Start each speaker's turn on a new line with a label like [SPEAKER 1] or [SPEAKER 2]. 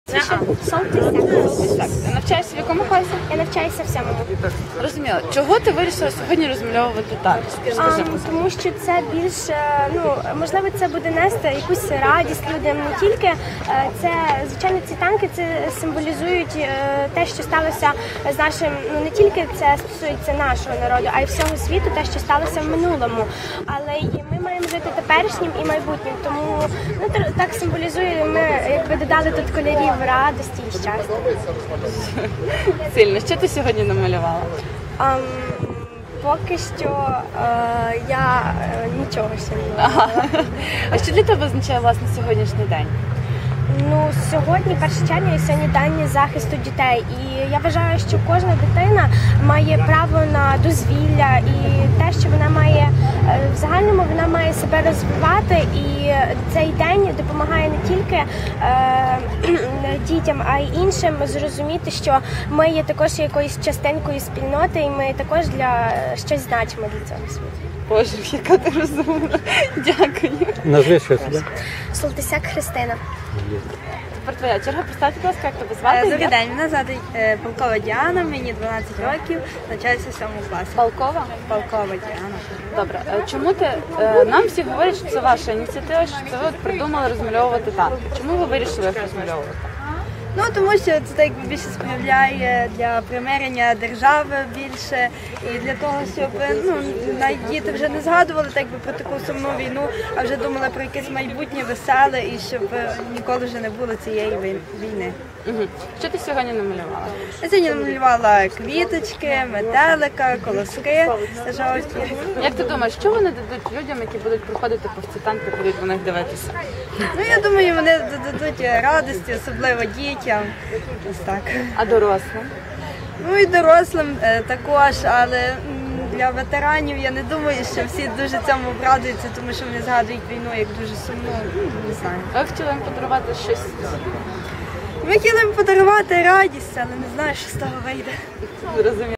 [SPEAKER 1] Солтисяк. Ти навчаєшся в якому класі?
[SPEAKER 2] Я навчаюся в 7-му.
[SPEAKER 1] Розуміла. Чого ти вирішила сьогодні розмальовувати танки? Скажи,
[SPEAKER 2] Тому що це більш, можливо, це буде нести якусь радість людям. Не тільки це, звичайно, ці танки це символізують те, що сталося з нашим, не тільки це стосується нашого народу, а й всього світу, те, що сталося в минулому. Але і ми маємо жити теперішнім і майбутнім. Тому так символізує, ми якби додали тут кольорів радості і щастя.
[SPEAKER 1] Сильно. Що ти сьогодні намалювала?
[SPEAKER 2] Поки що я нічого ще не робила.
[SPEAKER 1] А що для тебе означає, власне, сьогоднішній день?
[SPEAKER 2] Сьогодні, 1 червня, і сьогодні день захисту дітей. І я вважаю, що кожна дитина має право на дозвілля і те, що вона має, в загальному вона має себе розвивати. І цей день допомагає не тільки дітям, а й іншим зрозуміти, що ми є також якоюсь частинкою спільноти, і ми також для щось значимо для цього світу.
[SPEAKER 1] Боже, яка ти розумна. Дякую.
[SPEAKER 3] Назви що себе.
[SPEAKER 2] Солтисяк Христина.
[SPEAKER 1] Тепер твоя черга. Представте, будь ласка, як тебе звати?
[SPEAKER 4] Добрий день, мене звати Полкова Діана, мені 12 років, навчаюся в 7 класі.
[SPEAKER 1] Полкова?
[SPEAKER 4] Полкова Діана.
[SPEAKER 1] Добре. Чому ти, нам всі говорять, що це ваша ініціатива, що це ви придумали розмальовувати танки. Чому ви вирішили їх розмальовувати?
[SPEAKER 4] Тому що це так більше сприяє для примирення держави більше і для того, щоб навіть діти вже не згадували так би про таку сумну війну, а вже думали про якесь майбутнє веселе і щоб ніколи вже не було цієї війни.
[SPEAKER 1] Що ти сьогодні намалювала?
[SPEAKER 4] Я сьогодні намалювала квіточки, метелика, колоски жовті.
[SPEAKER 1] Як ти думаєш, що вони дадуть людям, які будуть приходити повз ці танки, будуть на них дивитися?
[SPEAKER 4] Я думаю, вони додадуть радості, особливо дітям. Ось так.
[SPEAKER 1] А дорослим?
[SPEAKER 4] І дорослим також, але для ветеранів я не думаю, що всі дуже цьому обрадуються, тому що вони згадують війну як дуже сумну, не знаю.
[SPEAKER 1] Ви хотіли їм подарувати щось?
[SPEAKER 4] Ми хотіли їм подарувати радість, але не знаю, що з того вийде.
[SPEAKER 1] Зрозуміло.